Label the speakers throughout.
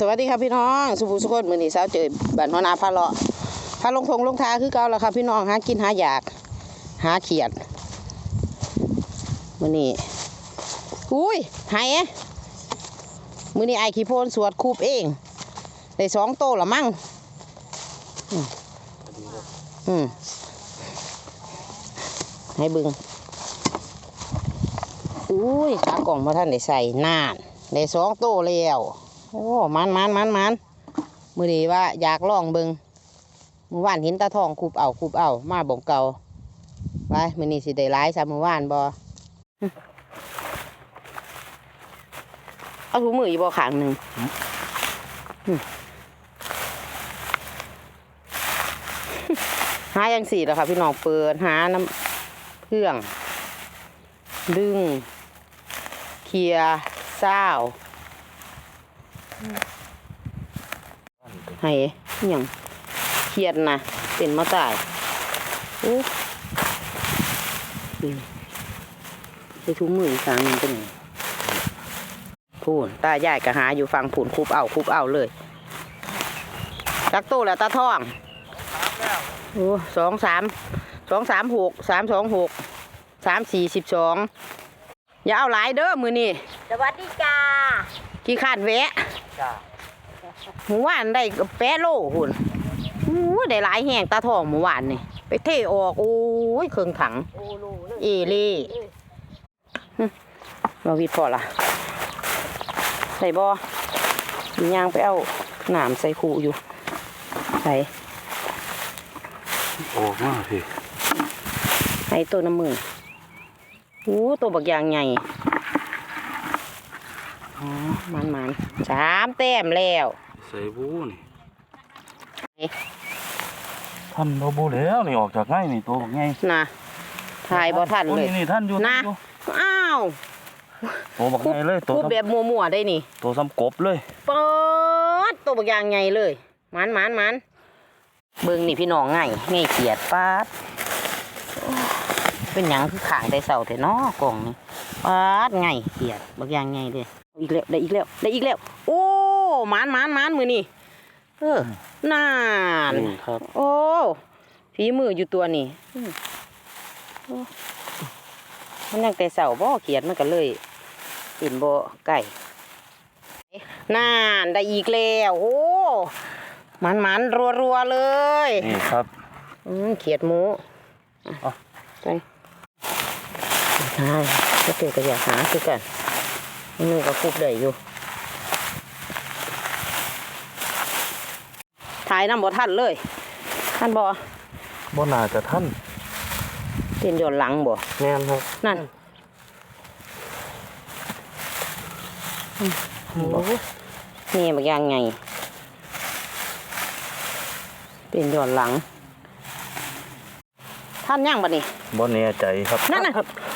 Speaker 1: สวัสดีครับพี่น้องสุภูสุขมือนี่สาวเจอบ้านหัวหน้าพาเลาะพาลงทงลงทาคือเก่าแล้วครับพี่น้องหากินหาอยากหาเขียดมือนี่อุ้ยหายมือนี่ไอขี้โพนสวดคูบเองได้2 โตละมั่งให้บึงอุ้ยขากล่องมาท่านได้ใส่นานได้2 โตแล้วโอ้มันมือนี้ว่าอยากลองเบิงมือวานเห็นตาทองคูบเอามาบ่งเก่าไปมือนี้สิได้ร้ายซะมือวานบ่เอาถุงมืออีกบ่ข้างหนึ่งหาอย่างสี่แล้วค่ะพี่น้องเปิดหาน้ำเครื่องดึงเคลียเศร้าให้ยังเครียดนะเป็นมาตายโอ้ใช้ถุงมืออีกครั้งนึงเป็นไงพูนตาใหญ่กะหาอยู่ฟังพูนคูบเอาเลยตักตู้แล้วตาท่องโอ้2 3 6 3 2 6 3 4 12อย่าเอาหลายเด้อมือนี่
Speaker 2: สวัสดีจ้า
Speaker 1: กี่ขาดแวะหมูหวานได้8 โลหุ่นได้หลายแห้งตาทองหมูหวานนี่ไปเทออกโอ้ยเครื่องถังเอเล่เราวิดพอละใส่บ่ย่างไปเอาหนามใส่ขู่อยู่ใส่
Speaker 3: ออกมาพี่
Speaker 1: ให้ตัวน้ำมือตัวบักยางใหญ่มัน3 แต้มแล้ว
Speaker 3: ใส่บูนี่ท่านโนบูแล้วนี่ออกจากไงนี่ตัวไง
Speaker 1: นะถ่ายบ่ทันเลย
Speaker 3: นี่ท่านอยู่
Speaker 1: นะอ้าว
Speaker 3: ตัวบักไงเลย
Speaker 1: ตัวแบบมัวๆได้นี่
Speaker 3: ตัวซ้ำกบเลย
Speaker 1: เปิดตัวบักยางใหญ่เลยมันเบิ่งนี่พี่น้องไงเขียดป๊าดเป็นหยังคือขางได้เสาแต่น้อกล่องนี่ป๊าดไงเขียดบักยางไงเลยอีกแล้วโอ้มันมือนี่นาน
Speaker 3: ครับ
Speaker 1: โอ้ฝีมืออยู่ตัวนี่มันยังแต่เสาบ่เขียดมันก็เลยเป็นบ่ไก่นานได้อีกแล้วโอ้มันรัวๆเลย
Speaker 3: นี่ครับ
Speaker 1: เขียดหมูไปใช่ก็เจอก็อยากหาคือกันมือก็คุบได้อยู่ถ่ายน้ำบ่ท่านเลยท่านบ่
Speaker 3: น่าจะท่าน
Speaker 1: เป็นย้อนหลังบ่
Speaker 3: แม่นครับ
Speaker 1: นั่นนี่บางอย่างไงเป็นย้อนหลังท่านย่างบ่นี่
Speaker 3: บ่แน่ใจครับ
Speaker 1: นั่นน่ะ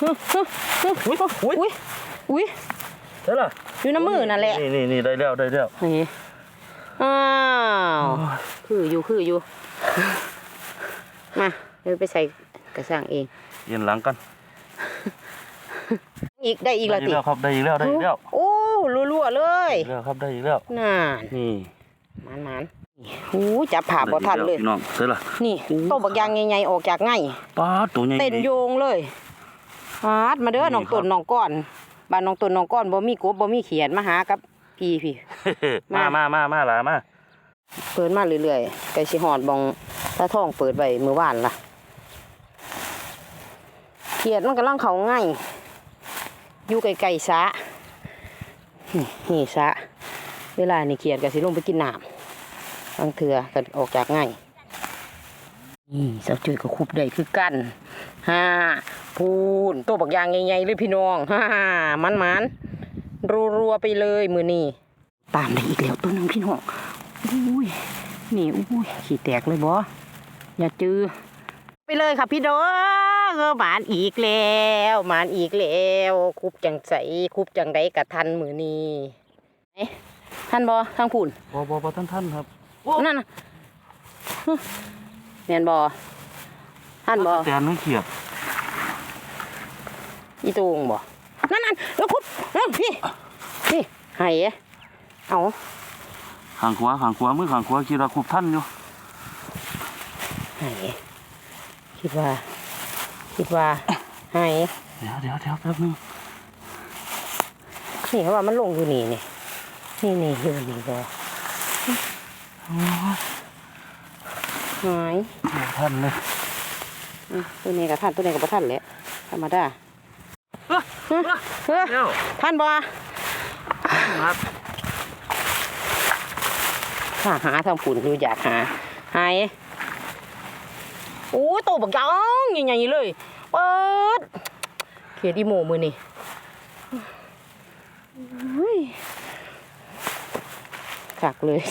Speaker 1: อุ้ย
Speaker 3: ใช่ล่ะ
Speaker 1: อยู่น้ำมือนั่นแหละ
Speaker 3: นี่ได้แล้ว
Speaker 1: นี่อ้าวคืออยู่มาเดี๋ยวไปใส่กระสังเอง
Speaker 3: เย็นหลังกัน
Speaker 1: ได้อีกแล้วติ
Speaker 3: ครับได้อีกแล้ว
Speaker 1: โอ้รัวๆเลย
Speaker 3: แล้วครับได้อีกแล้ว
Speaker 1: น่า
Speaker 3: นี่
Speaker 1: มันจับผ่าบ่ทันเลย
Speaker 3: น้องใช่ล่ะ
Speaker 1: นี่โตบักยางใหญ่ๆออกจากไง
Speaker 3: ป๊าดตัวใหญ่
Speaker 1: เต้นโยงเลยป๊าดมาเด้อน้องต้นน้องก้อนบ้านน้องต้นน้องก้อนบ่มีกบบ่มีเขียดมาหากับพี่
Speaker 3: มาหลามา
Speaker 1: เปิดมาเรื่อยๆไก่สิหอดบองตาทองเปิดไว้มื้อวานล่ะเขียดมันกำลังเข้าง่ายอยู่ไกลๆสะนี่สะเวลานี่เขียดก็สิลงไปกินน้ำบางเถื่อก็ออกจากง่ายนี่เสาจุ้ยก็คุบได้คือกันพูนตัวบักยางใหญ่ๆเลยพี่น้องมันรัวไปเลยมือนี่ตามได้อีกแล้วตัวนึงพี่น้องอุ้ยนี่อุ้ยขี้แตกเลยบ่อย่าจื้อไปเลยค่ะพี่น้องหมานอีกแล้วคุบจังใสคุบจังได้กะทันมือนี่ท่านบ่ทางพูน
Speaker 3: บ่ท่านครับ
Speaker 1: นั่นน่ะแม่นบ่ท่านบ่
Speaker 3: แต่ไม่เขียด
Speaker 1: อีตูงบ่นั่นแล้วคุบพี่ให้เอา
Speaker 3: ข้างขวามือข้างขวาคิดว่าคุบท่านอยู่
Speaker 1: ไหนคิดว่าไหน
Speaker 3: เดี๋ยวแป๊บนึง
Speaker 1: นี่เขาว่ามันลงอยู่นี่นี่อยู่นี่บ่หาย
Speaker 3: ท่านเลย
Speaker 1: ตัวนี้กับท่านตัวนี้กับท่านแหละธรรมดาท่านบ่
Speaker 3: ครับ
Speaker 1: หาทางฝุ่นอยู่อยากหายโอ้โตบักจังใหญ่ๆเลยเปิดเขียดอีโมมือนี่ขักเลย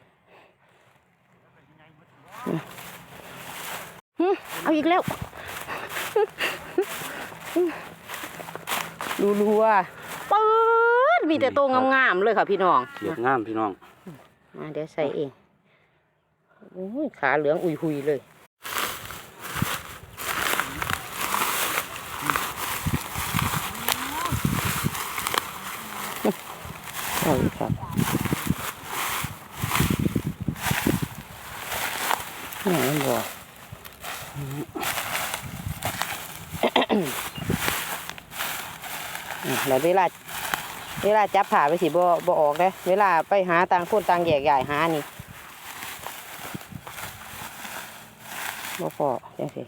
Speaker 1: เอาอีกแล้วรัวๆเปิดมีแต่โตงามๆเลยค่ะพี่น้อง
Speaker 3: เขียดงามพี่น้อง
Speaker 1: มาเดี๋ยวใส่เองโอ้ยขาเหลืองอุยหุยเลยเอาอีกครับนี่มันบ่แล้วเวลาจับผ่าไปสิบ่ออกเลยเวลาไปหาต่างคนต่างแยกย้ายหานี่บ่พอจังซี่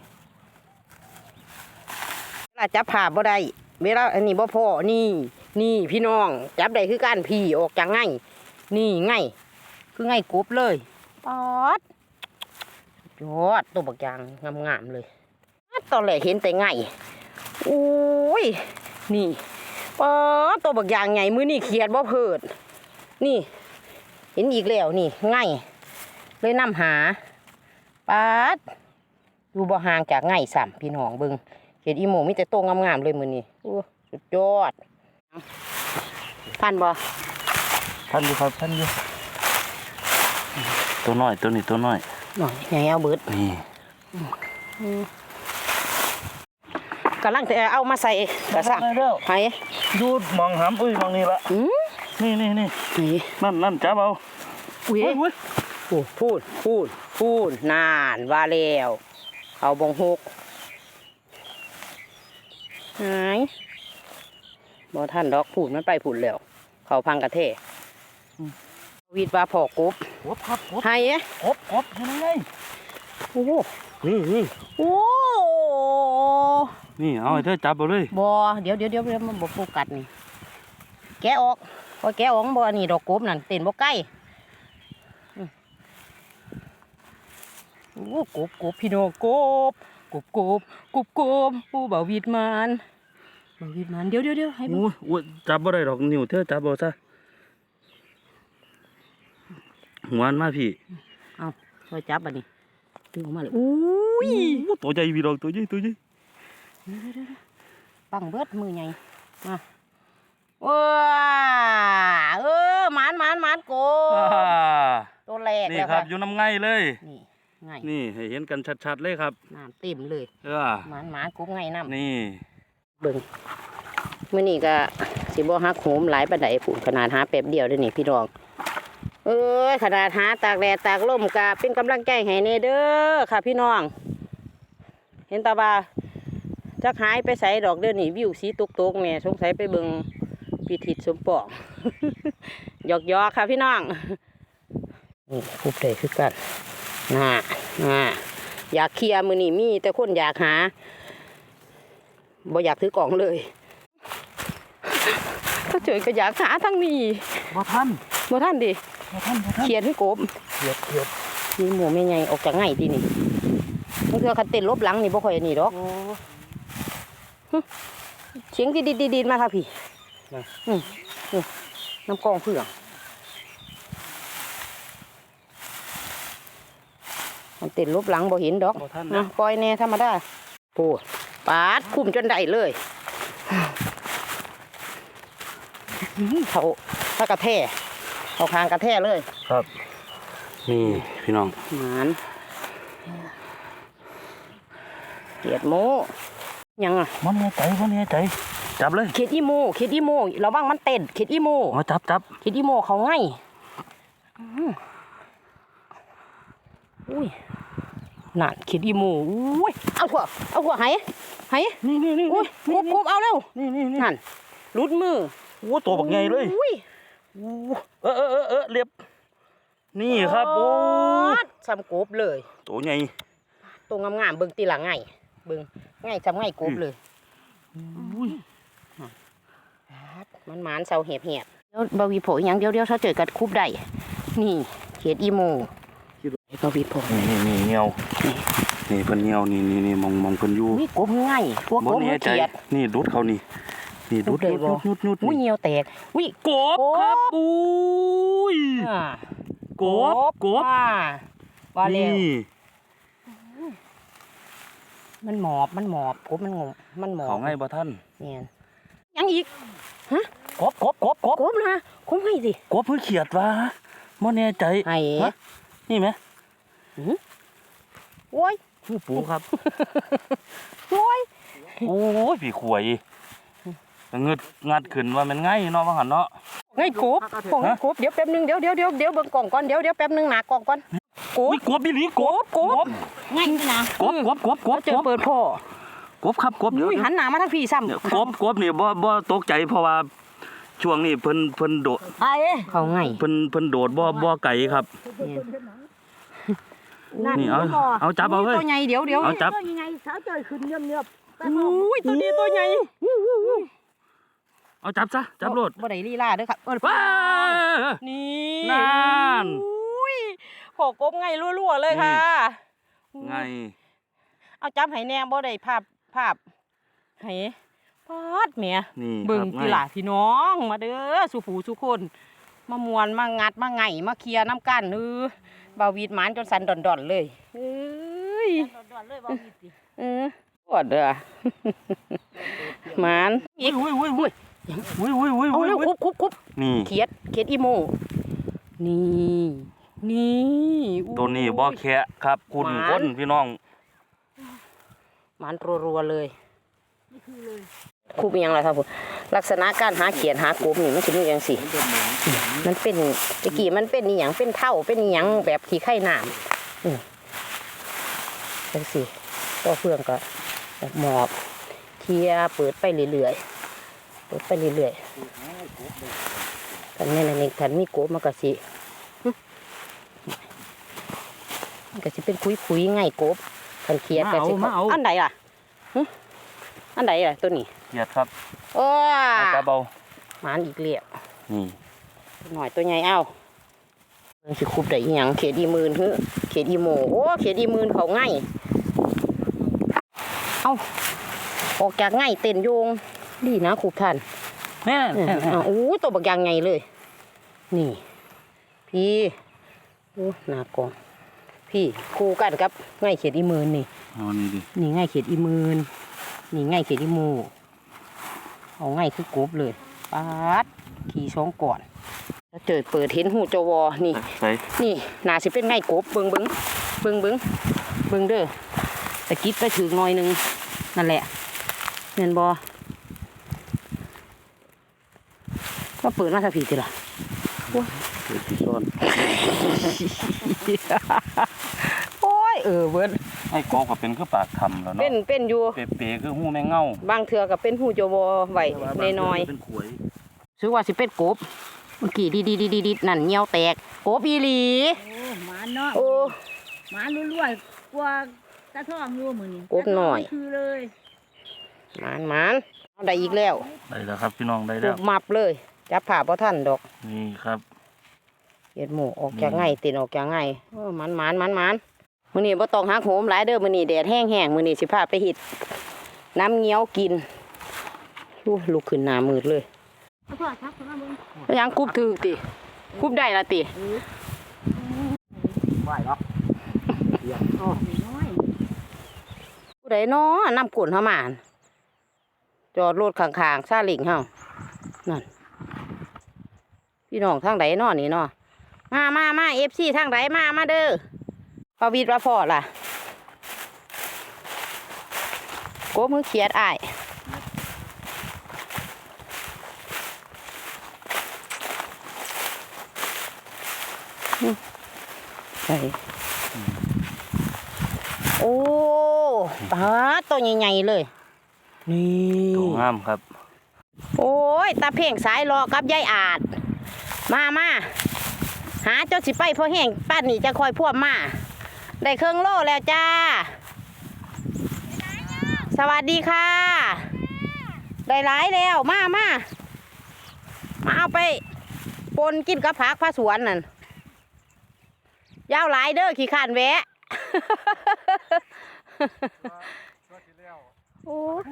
Speaker 1: เวลาจับผ่าบ่ได้เวลาอันนี้บ่พอนี่พี่น้องจับได้คือการพี่ออกจากง่ายนี่ง่ายคือง่ายกบเลยปอดยอดตัวบักยางงามๆเลยตอนแรกเห็นแต่ง่ายโอ้ยนี่ปอดตัวบักยางไงมือนี่เขียดบ่เพิดนี่เห็นอีกแล้วนี่ง่ายเลยนำหาปาดดูบ่ห่างจากง่ายซ้ำพี่น้องเบิ่งเห็ดอีโมมีแต่โตงามๆเลยมือนี่โอ้สุดยอดท่านบ่
Speaker 3: ท่านอยู่ครับท่านอยู่ตัวน้อยตัวนี้ตัวน้อย
Speaker 1: หน่อยไงเอาเบิด
Speaker 3: นี่
Speaker 1: กำลังจะเอามาใส่กระสังไผ่
Speaker 3: ดูดมองหำมองนี่ละนี่
Speaker 1: นี่
Speaker 3: นั่นจับเอา
Speaker 1: อุ้ยพูดนานว่าแล้วเอาบงหกหายบ่ท่านดอกพูดมันไปพูดแล้วเขาพังกระเทวิดว่าพอกบ
Speaker 3: ครับ
Speaker 1: ไห้
Speaker 3: กบยังไง
Speaker 1: โอ้โห
Speaker 3: นี่
Speaker 1: โอ้
Speaker 3: นี่เอาให้เธอจับเอาเลย
Speaker 1: บ่เดี๋ยวมันบ่โฟกัสนี่แกะออกพอแกะออกบ่นี่ดอกกบนั่นเต้นบ่ใกล้โอ้กบพี่น้องกบผู้บ่าววิดมันเดี๋ยวให้
Speaker 3: โอ้ยจับบ่ได้ดอกนิ้วเธอจับเอาซะหัวมันมาพี่
Speaker 1: เอาช่วยจับบัดนี้ดึงออกมาเลยอุ้ย
Speaker 3: ตัวใหญ่พี่ดอกตัวใหญ่
Speaker 1: เดี๋ยวปังเบิดมือใหญ่มาว้าหมานโกตัวแรก
Speaker 3: นี่
Speaker 1: แล้ว
Speaker 3: ครั
Speaker 1: ค่ะ
Speaker 3: บอยู่น้ำไงเลย
Speaker 1: นี่ไง
Speaker 3: นี่ให้เห็นกันชัดๆเลยครับ
Speaker 1: น้ำเต็มเลย หมานกบไงน้ำ
Speaker 3: นี่
Speaker 1: เบิ่งมื้อนี้ก็สิบ่ฮักโหมหลายปานใดพุ่นขนาดหาแป๊บเดียวเด้อนี่พี่น้องขนาดหาตากแดดตากลมก็เป็นกำลังใจให้แน่เด้อค่ะพี่น้องเห็นตาบ่าจักหายไปใส่ดอกเด้อนี่วิวสีตกๆแม่สงสัยไปเบิ่งพิธีสมปอง หยอกค่ะพี่น้องนี่คุบได้คือกันน่าอยากเคลียร์มื้อนี้มีแต่คนอยากหาบ่อยากถือกล่องเลยถ้าเจอก็อยากหาทั้งนี้
Speaker 3: บ่ทัน
Speaker 1: ดิเขียนให้กบ
Speaker 3: เขียด
Speaker 1: นี่หมูไม่ไงออกจากไงทีนี่มันคือคันเต้นลบหลังนี่บ่ค่อยนี่ดอกเสียงดีมาค่ะพี่น้ำกองเพื่องมันเต้นลบหลังบ่เห็นดอกนะปล่อยแน่ธรรมดาโอ้ปาดคุ้มจนได้เลยเขาถ้ากระแทกเอาคางกระแทกเลย
Speaker 3: ครับนี่พี่น้อง
Speaker 1: หมานเขียดโมยังอ่ะ
Speaker 3: มันแน่ใจจับเลย
Speaker 1: เขียดอีโมระวังมันเต้นเขียดอีโม
Speaker 3: มาจับ
Speaker 1: เขียดอีโมเขาง่ายอุ้ยนั่นขีดอีโมอุ้ยเอาหัวไห
Speaker 3: นี่
Speaker 1: อุ้ยคุบเอาเร็วนั่นรุดมือ
Speaker 3: โอ้ตัวบักใหญ่เลย
Speaker 1: อุ้ย
Speaker 3: เรียบนี่ครับโอ้
Speaker 1: ซ้ำกบเลย
Speaker 3: ตัวใหญ่
Speaker 1: ตัวงามๆเบิ่งตีหลังไงเบิ่งไงซ้ำไงกบเลย
Speaker 3: อุ้ย
Speaker 1: มันหมานเสาเหียบเดี๋ยวบาวีโผยังเดี๋ยวถ้าเจอกันคุบได้นี่เขียดอีโมบาวีโผ
Speaker 3: นี่เงียวนี่เพิ่นเงียวนี่มองเพิ่นอยู่
Speaker 1: นี่กบง่ายกบมือเขียด
Speaker 3: นี่ดุดเขานี่ดุดยุด
Speaker 1: อุ้ยเหี่ยวแตกอุ้ย
Speaker 3: กบครับอุ้ยกบ
Speaker 1: ว่าเร็ว
Speaker 3: นี่
Speaker 1: มันหมอบกบมันงงมันหมอบ
Speaker 3: เขาไงบ่ท่าน
Speaker 1: เนี่ยยังอีกฮะ
Speaker 3: กบ
Speaker 1: กบนะกบให้สิ
Speaker 3: กบเพิ่งเขียดวะบ่แน่ใจ
Speaker 1: ให้
Speaker 3: นี่ไหม
Speaker 1: โอ้ย
Speaker 3: หูปูครับ
Speaker 1: โอ้ย
Speaker 3: โอ้ยพี่ขวยงัดขึ้นว่ามันง่ายเนาะว่าหันเนาะ
Speaker 1: ไงกบของกบเดี๋ยวแป๊บนึงเดี๋ยวเบิ่งกล่องก่อนเดี๋ยวแป๊บนึงหนากล่องก่อนกบ
Speaker 3: กบอีหลีกบ
Speaker 1: ง่ายนะ
Speaker 3: กบ
Speaker 1: เจอเปิดพ่อก
Speaker 3: บครับกบ
Speaker 1: อุ้ยหันหน้ามาทางพี่ซ้ำ
Speaker 3: กบนี่บ่ตกใจเพราะว่าช่วงนี้เพิ่นโดด
Speaker 1: เขาไง
Speaker 3: เพิ่นโดดบ่ไก่ครับ นี่เอาจับเอาเฮ้ย
Speaker 1: ตัวใหญ่เดี๋ยว
Speaker 3: เอาจับ
Speaker 2: ยังไงสาวจอยขึ้นเงียบๆ
Speaker 1: อุ้ยตัวนี้ตัวใหญ่
Speaker 3: เอาจับซะจับโลด
Speaker 1: บ่ได้ลีลาเด้อครับ
Speaker 3: ว้า
Speaker 1: นี่
Speaker 3: นั่น
Speaker 1: อุ้ยพอกบไงรัวๆเลยค่ะ
Speaker 3: ไง
Speaker 1: เอาจับให้แน่บ่ได้ภาพให้ปาดแหม
Speaker 3: นี่
Speaker 1: เบิ่ง
Speaker 3: ครับ
Speaker 1: พี่หล่าพี่น้องมาเด้อสุผูสุคนมามวนมางัดมาไงมาเคลียร์น้ำกันบาวีดหมานจนสันดอนๆเลยเอ้ย
Speaker 2: ดอนเลยบ่มีสิ
Speaker 1: ปวดเด้อ หมานอีก
Speaker 3: อุ้ย
Speaker 1: เอาเร็วคุบ
Speaker 3: นี่
Speaker 1: เขียดอีโมนี่อู้
Speaker 3: ตัวนี้บ่แคะครับคุณ
Speaker 1: หมา
Speaker 3: คนพี่น้อง
Speaker 1: หมานรัวๆเลย
Speaker 2: นี่คือเลย
Speaker 1: คุบยังไงครับผมลักษณะการหาเขียดหากบนี่มันจะมีอย่างสิมันเป็นตะกี้มันเป็นนี่หยังเป็นเท่าเป็นนี่หยังแบบขี้ไข่น้ำจังสิก็เพื่องก็แบบหมอบเคลียร์เปิดไปเรื่อยๆกันแม่นนี่คันมีกบมันก็สิเป็นคุยๆง่ายกบคันเขียดก็สิอันใดล่ะอันใดล่ะตัวนี้
Speaker 3: เขียดครับ
Speaker 1: โอ้
Speaker 3: เอาจับเอา
Speaker 1: หมานอีกเลี้ย
Speaker 3: นี่
Speaker 1: หน่อยตัวใหญ่เอ้ามันสิคุบได้อีหยังเขตอีมื่นเขตอีโมโอ้เขตอีมื่นเขาง่ายเอ้าออกจากง่ายเต้นโยงดีนะคุบท่าน
Speaker 3: แน่
Speaker 1: โอ้ตัวบักยางไงเลย นี่พี่โอ้หน้ากองพี่คู่กันครับง่ายเขตอีมื่นนี่
Speaker 3: เอานี่ดิ
Speaker 1: นี่ง่ายเขตอีมื่นนี่ง่ายเขตอีโมเอาง่ายคือกบเลยปาดขี่ช่องก่อนแล้วเจอเปิดเห็นหูจวนี่
Speaker 3: ใส่
Speaker 1: นี่น่าสิเป็นไงกบเบิ่งเด้อตะกิดไปถึงหน่อยนึงนั่นแหละเห็นบ่ก็เปิดมาสักทีสิล่ะ
Speaker 3: เปิดที่ซ่อน
Speaker 1: โอ้ยเบิด
Speaker 3: ไอ้กบก็เป็นคือปากทำแล้วเนาะ
Speaker 1: เป็นอยู่
Speaker 3: เป๋คือหูแมงเง่า
Speaker 1: บางเทื่อก็เป็นหูจวไว้น้อย
Speaker 3: เป็นขวย
Speaker 1: ๆซื้อว่าสิเป็นกบเมื่อกี้ดีนั่นเหี่ยวแตกกบอีหลี
Speaker 2: โอ้หมาเนาะ
Speaker 1: โอ้
Speaker 2: หมาลุ้ยๆกว่าตะท่องอยู่มื้อนี้
Speaker 1: กบหน่อย
Speaker 2: คือเลย
Speaker 1: หมานเอาได้อีกแล้ว
Speaker 3: ได้แล้วครับพี่น้องได้
Speaker 1: ก
Speaker 3: แล้ว
Speaker 1: บมับเลยจับผ่าบ่ทันดอก
Speaker 3: นี่ครับ
Speaker 1: เฮ็ดหมูออกจากไงตินออกจากไงมันมื้อนี้บ่ต้องหักโหมหลายเด้อมื้อนี้แดดแห้งๆมื้อนี้สิพาไปเฮ็ดน้ำเงี้ยวกินลุกขึ้นหน้ามืดเลย
Speaker 2: เอาพ่อทักเข้ามาเบิ่ง
Speaker 1: แล้วยังกุบถือติกุบได้ละติ
Speaker 3: ไหวเนาะ
Speaker 2: น้อย
Speaker 1: ผู้ใดน้อนำกวนเฮามาหั่นจอดรถข้างๆซาเล้งเฮานั่นพี่น้องทางใดน้อนี่น้อมา FC ทางใดมาเด้อพอวิทย์ว่าพอล่ะโกมือเขียดอ้ายใส่โอ้ปลาตัวใหญ่ๆเลยนี่
Speaker 3: ตัวงามครับ
Speaker 1: โอ้ยตาเพ่งสายรอกับยายอาจมาหาเจ้าสิไปพอแห้งป้านนี่จะคอยพวกมาได้เครื่องโล่แล้วจ้าสวัสดีค่ะได้หลายแล้วมาเอาไปปนกินกับผักผ้าสวนนั่นยาวหลายเด้อขี้ขานแวะ โอ้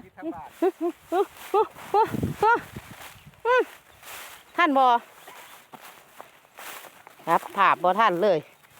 Speaker 1: ท่านบอครับภาพบอท่านเลย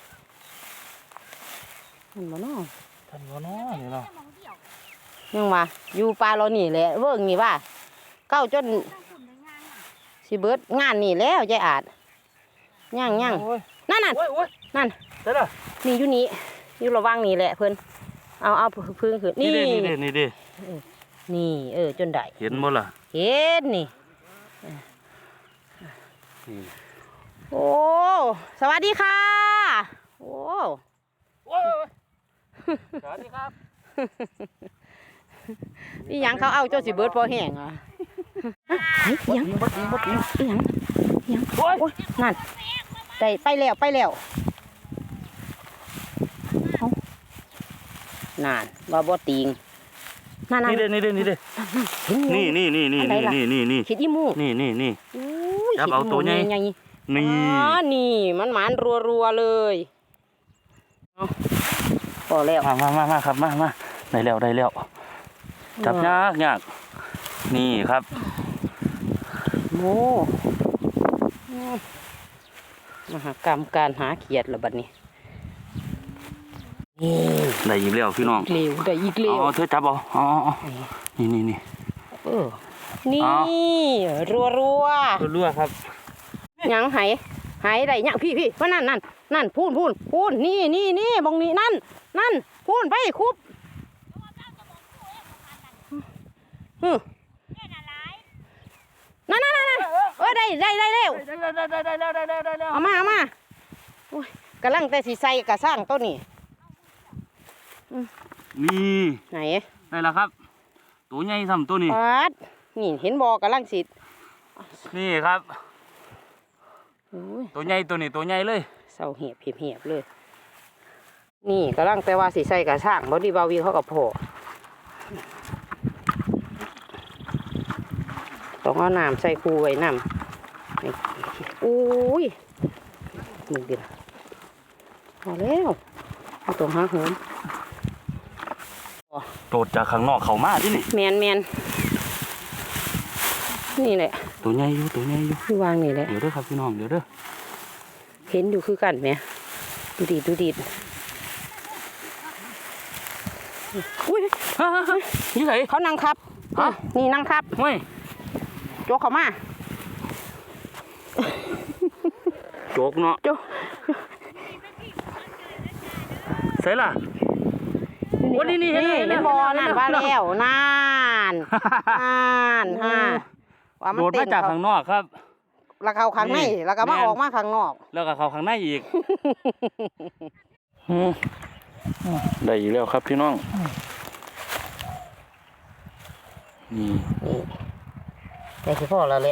Speaker 1: ท่านบอน้อ
Speaker 3: ท่านบ่เนาะนี่เนาะ
Speaker 1: ยังว่าอยู่ปลาเรานี่แหละเวิร์กนี่ว่าเก้าจนสิเบิดงานนี่แล้วยายอาจย่าง
Speaker 3: โอ้ย
Speaker 1: นั่น
Speaker 3: โอ้ย
Speaker 1: นั่น
Speaker 3: ใช่ล่ะ
Speaker 1: นี่อยู่นี่อยู่ระวังนี่แหละเพิ่นเอาพึ่งขึ้นนี่
Speaker 3: นี่เด้
Speaker 1: นี่จนได้
Speaker 3: เห็นบ่ล่ะ
Speaker 1: เห็นนี่
Speaker 3: นี่
Speaker 1: โอ้สวัสดีค่ะโอ้
Speaker 3: โอ้ยสวัสดีครับ
Speaker 1: นี่ยังเขาเอาเจ้าสิเบิดพอแห้งอ่ะเฮ้ยยัง
Speaker 3: บ่จริง
Speaker 1: ยัง
Speaker 3: โอ้ย
Speaker 1: โอ้ยนั่นได้ไปแล้วเอานั่นว่าบ่ติงนั่น
Speaker 3: นี่เด้
Speaker 1: เห็นอยู่
Speaker 3: นี่
Speaker 1: คิดอีหมู
Speaker 3: นี่
Speaker 1: อุ้ย
Speaker 3: จับเอาตัวใหญ่
Speaker 1: คิดอีหมู
Speaker 3: นี่
Speaker 1: อ๋อนี่มันหมานรัวๆเลยเอาพอแล้ว
Speaker 3: มาครับมาได้แล้วจับยากนี่ครับ
Speaker 1: โม่มหากรรมการหาเขียดละบัดนี้นี่
Speaker 3: ได้อีกแล้วพี่น้อง
Speaker 1: เร็วได้อีกเร็ว
Speaker 3: อ๋อเธอจับเอาอ๋อนี่
Speaker 1: เออนี่
Speaker 3: เอา
Speaker 1: รัว
Speaker 3: รั่วครับ
Speaker 1: ๆยังหายได้ยังพี่ว่านั่นพูนนี่บองนี้นั่นพูนไปคุบนั่นได้แล้วเอามาโอ้ยกำลังแต่สีใส่กระสร้างต้นนี่
Speaker 3: นี่
Speaker 1: ไหน
Speaker 3: ได้แล้วครับตัวใหญ่ซ้ำตัวนี้
Speaker 1: ปัดนี่เห็นบอกำลังสิ
Speaker 3: นี่ครับ
Speaker 1: โอ้ย
Speaker 3: ตัวใหญ่ตัวนี้ตัวใหญ่เลย
Speaker 1: เศร้าเหียบเลย นี่กำลังแต่ว่าสีใส่กระสร้างบอดี้บาวีเขากับโผต้องเอาน้ำใส่คูไว้น้ำอุ้ยมึงดิพอแล้วเอาตัวหาหืม
Speaker 3: โดดจากข้างนอกเข้ามาที่นี่
Speaker 1: แมนนี่แหละ
Speaker 3: ตัวใหญ่อยู่
Speaker 1: ที่วางนี่แหละ
Speaker 3: เดี๋ยวเด้อครับพี่น้องเดี๋ยวเด้อ
Speaker 1: เห็นอยู่คือกันไหมดูดิอุ้ย
Speaker 3: นี่ไง
Speaker 1: เขานั่งทับ
Speaker 3: ฮะ
Speaker 1: นี่นั่งทับ
Speaker 3: ไม่
Speaker 1: โจกเขามา
Speaker 3: โจกเนาะ
Speaker 1: โจก
Speaker 3: ใส่ล่ะ โอ้นี่เห็น
Speaker 1: เห็นบอนั่นว่าแล้วนั่นฮะว่ามัน
Speaker 3: โดด
Speaker 1: เต้
Speaker 3: มาน จากข้างนอกครับ
Speaker 1: แล้วเขาข้างใน
Speaker 3: นี่
Speaker 1: แล้วก็มา
Speaker 3: แม่น
Speaker 1: ออกมาข้างนอก
Speaker 3: แล้วก็เข้าข้างในอีกได้อีกแล้วครับพี่น้องนี่
Speaker 1: นี่แต่คือพ่อเราเลย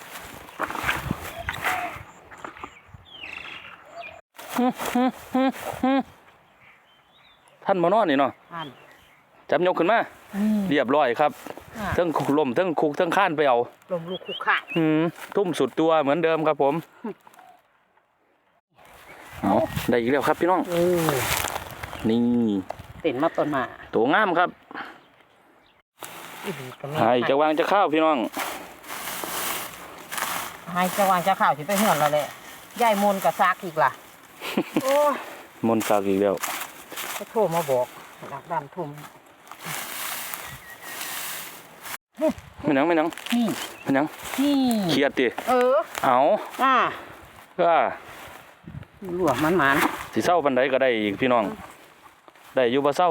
Speaker 3: ท่านมานอนนี่เนาะ
Speaker 1: อ่าน
Speaker 3: จับยกขึ้นมาเรียบร้อยครับเทั้งลมเทั้งคุกเทั้งข้านไปเอา
Speaker 1: ลมลูกคุกขาด
Speaker 3: ทุ่มสุดตัวเหมือนเดิมครับผมเอาได้อีกแล้วครับพี่น้องนี่
Speaker 1: เต้นมาต้นมา
Speaker 3: ตัวงามครับหายจะวางจะข้าวพี่น้อง
Speaker 1: หายจะวางจะข่าวสิไปเหือนเราเลยยายมนกับซากอีกล่ะ โอ้ย
Speaker 3: มนต์สากอีกแล้ว
Speaker 1: เขาโทรมาบอกหลักดำทุ่ม
Speaker 3: ไม่หนัง
Speaker 1: นี่
Speaker 3: ไม่หนัง
Speaker 1: นี่
Speaker 3: เครียดดิ เอา
Speaker 1: อ่า
Speaker 3: ก็
Speaker 1: หลวมมัน
Speaker 3: สิเศร้าปันใดก็ได้อีกพี่น้องได้อยู่บ่เศร้า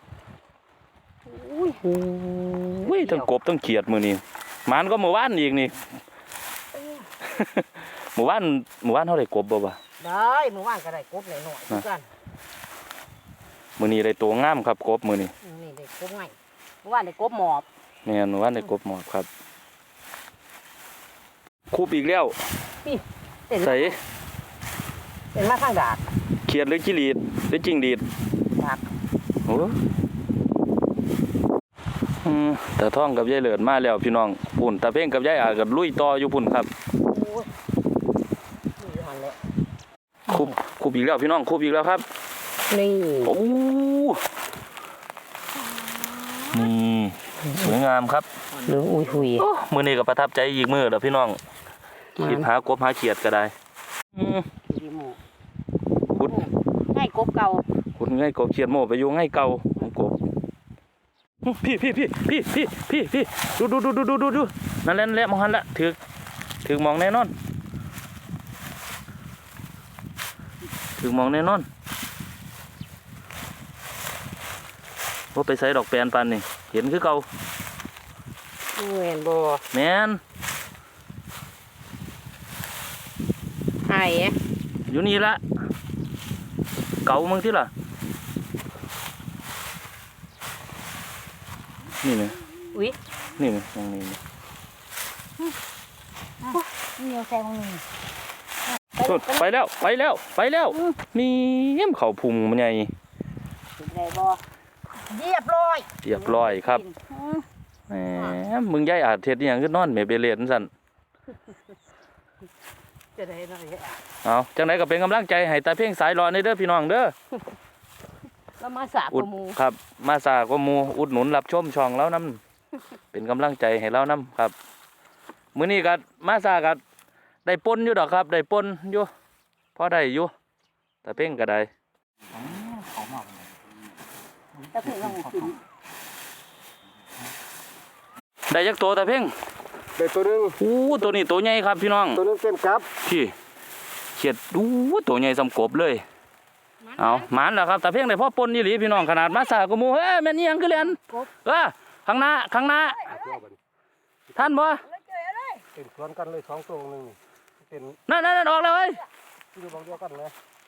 Speaker 1: อุ้ย
Speaker 3: ทั้งกบทั้งเขียดมือนี้มันก็หมู่บ้านอีกนี่ หมู่บ้านเท่าไหร่กบบ่
Speaker 1: บได้มื้อวานก็ได้กบหน่อยๆคือกัน
Speaker 3: มื้อนี้ได้ตัวงามครับกบมื้อนี้
Speaker 1: นี่ได้กบไงเมื่อวานได้กบหมอบ
Speaker 3: แม่นว่าได้กบหมอบครับคูบอีกแล้ว
Speaker 1: นี่เต็น
Speaker 3: ใส่
Speaker 1: เป็นมาข้างดาด
Speaker 3: เขียดหรือจิลีดหรือจิงดีด
Speaker 1: ดาด
Speaker 3: โอ้แต่ท่องกับยายเหลินมาแล้วพี่น้องปุ่นตาเพ่งกับยายอากับลุยต่ออยู่ปุ่นครับ
Speaker 1: โอ้ยนี่หันแล้ว
Speaker 3: คูบอีกแล้วพี่น้องคูบอีกแล้วครับ
Speaker 1: นี่
Speaker 3: โอ้นี่สวยงามครับ
Speaker 1: เหลืองอุ้ยหุย
Speaker 3: โอ้มื้อนี้ก็ประทับใจอีกมื้อแล้วพี่น้องคิดหากบหาเขียดก็ได้
Speaker 1: ดีหมู
Speaker 3: ขุด
Speaker 1: ให้กบเก่า
Speaker 3: ขุดง่ายกบเขียดโม่ไปอยู่ง่ายเก่าของกบพี่ดูนั่นแหละมองหันละถึงมองแน่นอนถึงมองแน่นอนว่าไปใส่ดอกแปนปันนี่เห็นคือเก่า
Speaker 1: แม่นบ่
Speaker 3: แม่น
Speaker 1: ไห้
Speaker 3: อยู่นี่ละเก่ามึงที่ล่ะนี่นะ
Speaker 1: อุ้ย
Speaker 3: นี่นะตรงนี้นะ
Speaker 2: เหนียวแซงมึง
Speaker 3: ไปแล้วมีเยี่ยมเขาพุงมันใหญ่
Speaker 1: ได้บ่เรียบร้อย
Speaker 3: เรียบร้อยครับแหมมึงย้ายอาจเทศนี่ยังขึ้นนอนแม่เบลเลนสั่น
Speaker 1: จะได้หน่อย
Speaker 3: เอาจังไหนก็เป็นกำลังใจให้ตาเพ่งสายรอในเด้อพี่น้องเด้อ
Speaker 1: แล้วมาสาบ
Speaker 3: อุด
Speaker 1: กับหมู
Speaker 3: ครับ มาสากว่าหมูอุดหนุนรับชมช่องแล้วน้ำ เป็นกำลังใจให้เราน้ำครับมื้อนี้ก็มาสาก็ได้ปนอยู่ดอกครับได้ปนอยู่พอได้อยู่ตาเพ่งก็ได้
Speaker 1: ตะเพ่งก็หมูกิน
Speaker 3: ได้จักตัวตาเพ่ง
Speaker 4: ได้ตัวหนึง
Speaker 3: ตัวนี้ตัวใหญ่ครับพี่น้อง
Speaker 4: ตัวหนึงเต็มครับ
Speaker 3: พี่เขียดตัวใหญ่สำกบเลยเอาหมานแล้วครับตาเพ่งได้พ่อปนนี่หลีพี่น้องขนาดมาสากว่าหมูเฮ้ยแม่นอี่ยังคือเรียนข้างหน้าท่านบ่
Speaker 4: เต็มสวนกันเลยสองตัวหนึงนี่เป็น
Speaker 3: นั่นออกแล้วเว้ย
Speaker 4: อยู่บางเดียวกันเลย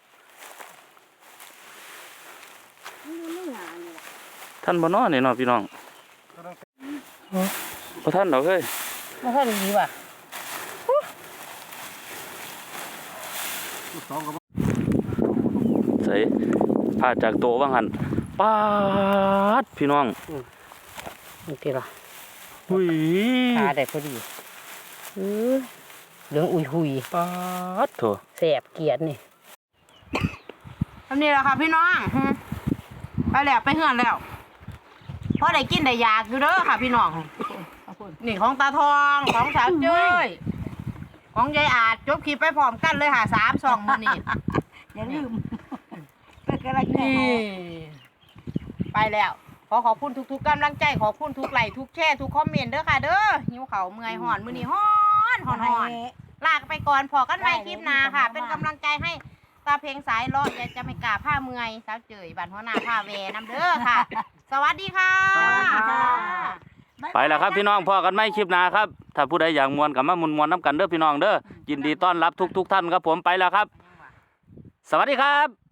Speaker 3: ท่านบ่นอนนี่เนาะพี่น้อง
Speaker 4: ตัวหนึง
Speaker 3: บ่ท่านดอกเฮ้ย
Speaker 1: มาท่านดีว่ะ
Speaker 4: สองกับ
Speaker 3: ใส่พาจากโตว่างหันปาดพี่น้อง
Speaker 1: นี่ติล่ะ
Speaker 3: หุย
Speaker 1: ขาได้พอดีเหลืองอุ้ยหุย
Speaker 3: ปาดโถ
Speaker 1: แสบเกียดนี่ทำนี่แหละค่ะพี่น้องไปแล้วไปเฮือนแล้วพอได้กินได้อยากอยู่เด้อค่ะพี่น้องนี่ของตาทองของสาวเจ้ยของยายอาจจบคลิปไปพร้อมกันเลยค่ะ3 2มื้อนี้
Speaker 2: อย่าลืมเป็นกระไร
Speaker 1: นี่ไปแล้วขอบคุณทุกๆกำลังใจขอบคุณทุกไลค์ทุกแชร์ทุกคอมเมนต์เด้อค่ะเด้อหิวเขาวเมื่อยห่อนมื้อนี้ฮ้อนลากไปก่อนพอกันใหม่คลิปหน้าค่ะ เป็นกำลังใจให้ตาเพลงสายรอดอย่าจะไม่กล้าผ้าเมื่อยสาวเจยบ้านหัวหน้าผ้าแวน้ำเด้อค่ะ สวัสดีค่ะ
Speaker 3: ไปแล้วครับพี่น้องพอกันไหมคลิปหน้าครับถ้าผู้ใดอยากมวนกับมามวนน้ำกันเด้อพี่น้องเด้อยินดีต้อนรับทุกท่านครับผมไปแล้วครับ สวัสดีครับ